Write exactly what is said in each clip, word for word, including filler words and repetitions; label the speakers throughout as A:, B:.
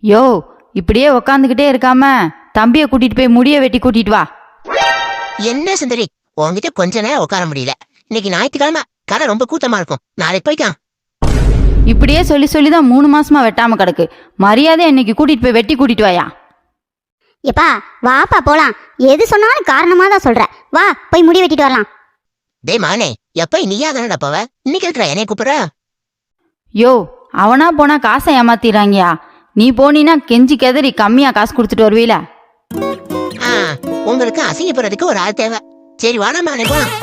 A: யோ, இப்படியே உக்காந்துக்கிட்டே இருக்காம தம்பியை கூட்டிட்டு போய் முடிய வெட்டி கூட்டிட்டு வா.
B: என்ன சுந்தரி, உன்கிட்ட கொஞ்ச நேரம் உட்கார முடியல. இன்னைக்கு ஞாயிற்றுக்கிழமை, கடை ரொம்ப கூட்டமா இருக்கும். நாளைக்கு போய்க்கலாம்.
A: இப்படியே சொல்லி சொல்லிதான் மூணு மாசமா வெட்டாம கிடக்கு. மரியாதை இன்னைக்கு கூட்டிட்டு போய் வெட்டி கூட்டிட்டு வாயா.
C: எப்பா வாப்பா போலாம். எது சொன்னாலும் காரணமா தான் சொல்ற. வா போய் முடி வெட்டிட்டு வரலாம்.
B: டே மானே, எப்ப நீயா தானடா போவ? இன்னைக்கு இருக்கிற என்னைய கூப்பிடுற?
A: யோ, அவனா போனா காசை ஏமாத்திடுறாங்கயா. நீ போனீனா கெஞ்சி கெதறி கம்மியா காசு கொடுத்துட்டு வருவீல.
B: ஆ, உங்களுக்கு அசிங்கப்படுறதுக்கு ஒரு ஆள் தேவை. சரி வாடா மானே போலாம்.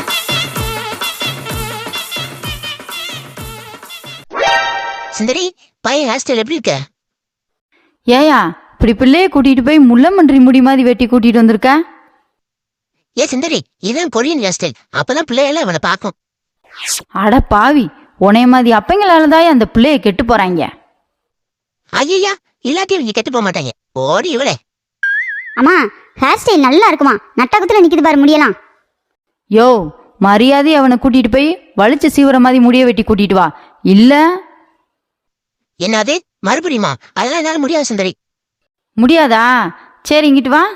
B: சுந்தரி, பையன் ஹேர் ஸ்டைல் எப்படி இருக்க?
A: ஏயா, இப்படி பிள்ளைய கூட்டிட்டு போய் முள்ளமன்றி முடி மாதிரி வெட்டி கூட்டிட்டு வந்திருக்க?
B: ஏ சுந்தரி, இதான் கொரியன் ஹேர் ஸ்டைல். அப்பதான் பிள்ளையெல்லாம் இவனை பார்க்கும்.
A: அட பாவி, உனைய மாதிரி அப்பங்களாலதான் அந்த பிள்ளைய கெட்டு போறாங்க.
B: ஐயா, இல்லாட்டி இவங்க கெட்டு போக மாட்டாங்க. ஓடி இவளே.
C: அம்மா, ஹேர் ஸ்டைல் நல்லா இருக்குமா? நட்டகத்துல நிக்குது பாரு முடியலாம்.
A: யோ, மரியாதை அவனை கூட்டிட்டு போய் வலிச்சு சீவர மாதிரி முடிய வெட்டி கூட்டிட்டு வா. இல்ல
B: என்னது மறுபடியுமா? அதெல்லாம் என்னால முடியாது சுந்தரி.
A: முடியாதா? சரி இங்கிட்டு வா.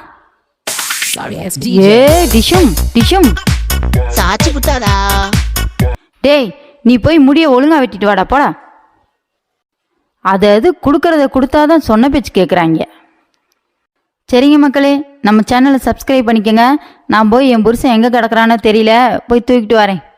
A: ஏ டிஷும் டிஷும்,
B: சாட்சி குத்தாதா?
A: டேய், நீ போய் முடிய ஒழுங்கா வெட்டிட்டு வாடா போடா. அது அது கொடுக்கறத கொடுத்தாதான் சொன்ன பேச்சு கேட்குறாங்க. சரிங்க மக்களே, நம்ம சேனலை சப்ஸ்கிரைப் பண்ணிக்கோங்க. நான் போய் என் புருஷன் எங்கே கிடக்குறான்னு தெரியல, போய் தூக்கிட்டு வரேன்.